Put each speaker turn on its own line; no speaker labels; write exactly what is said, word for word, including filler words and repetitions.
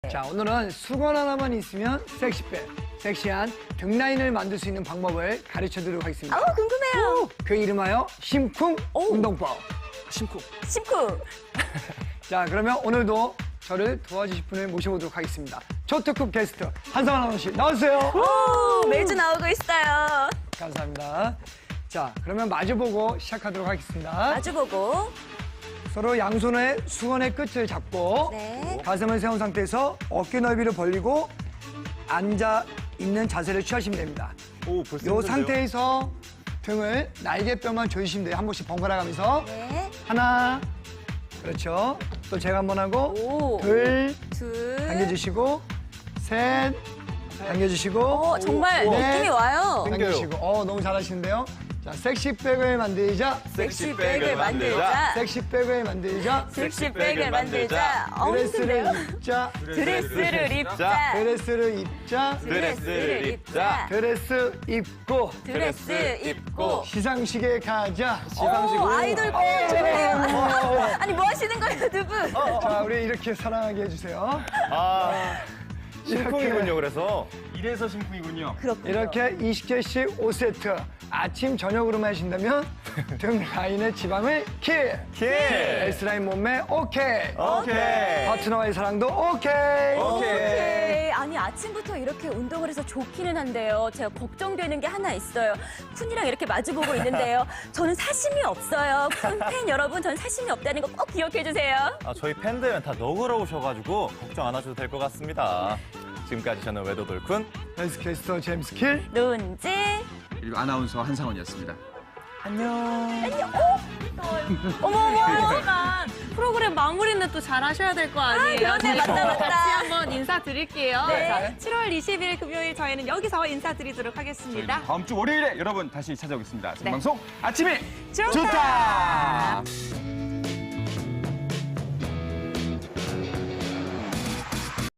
자, 오늘은 수건 하나만 있으면 섹시백, 섹시한 등 라인을 만들 수 있는 방법을 가르쳐 드리도록 하겠습니다.
아우, 궁금해요.
그 이름하여 심쿵
오.
운동법.
심쿵.
심쿵.
자, 그러면 오늘도 저를 도와주실 분을 모셔보도록 하겠습니다. 초특급 게스트 한성환 아나운서 나와주세요.
오, 매주 나오고 있어요.
감사합니다. 자, 그러면 마주보고 시작하도록 하겠습니다.
마주보고.
서로 양손의 수건의 끝을 잡고
네.
가슴을 세운 상태에서 어깨 넓이를 벌리고 앉아 있는 자세를 취하시면 됩니다.
오, 벌써
이
힘든데요?
상태에서 등을 날개뼈만 조이시면 돼요. 한 번씩 번갈아 가면서
네.
하나, 그렇죠. 또 제가 한 번 하고
오.
둘,
둘.
당겨주시고 셋, 당겨주시고
어, 정말
넷,
느낌이 와요.
당겨주시고 어, 너무 잘하시는데요. 자, 섹시백을 만들자.
섹시백을 만들자.
섹시백을 만들자.
섹시백을 만들자. 어,
드레스를
힘든데요?
입자.
드레스를 입자.
드레스를 입자.
드레스를 입자.
드레스 입고
드레스 입고.
시상식에 가자.
오, 아이돌 팬 좋네요. 아니, 뭐 하시는 거예요, 두 분?
자, 우리 이렇게 사랑하게 해주세요.
아, 심쿵이군요, 그래서.
이래서 심쿵이군요.
그렇군요.
이렇게 이십 개씩 오 세트. 아침, 저녁으로만 하신다면 등 라인의 지방을 킬.
킬!
S라인 몸매 오케이.
오케이.
파트너와의 사랑도 오케이.
오케이. 아니, 아침부터 이렇게 운동을 해서 좋기는 한데요. 제가 걱정되는 게 하나 있어요. 쿤이랑 이렇게 마주보고 있는데요. 저는 사심이 없어요. 쿤 팬 여러분, 전 사심이 없다는 거 꼭 기억해 주세요.
아, 저희 팬들은 다 너그러우셔가지고 걱정 안 하셔도 될 것 같습니다. 지금까지 저는 외도돌쿤.
헬스캐스터 제임스 킬.
논지.
그리고 아나운서 한상원이었습니다.
안녕.
어머, 어머.
하지만 프로그램 마무리는 또 잘 하셔야 될 거 아니에요?
그러네, 맞다, 맞다.
같이 한번 인사드릴게요.
네.
칠월 이십일 금요일 저희는 여기서 인사드리도록 하겠습니다.
다음 주 월요일에 여러분 다시 찾아오겠습니다.
네.
생방송 아침에
좋다.
좋다.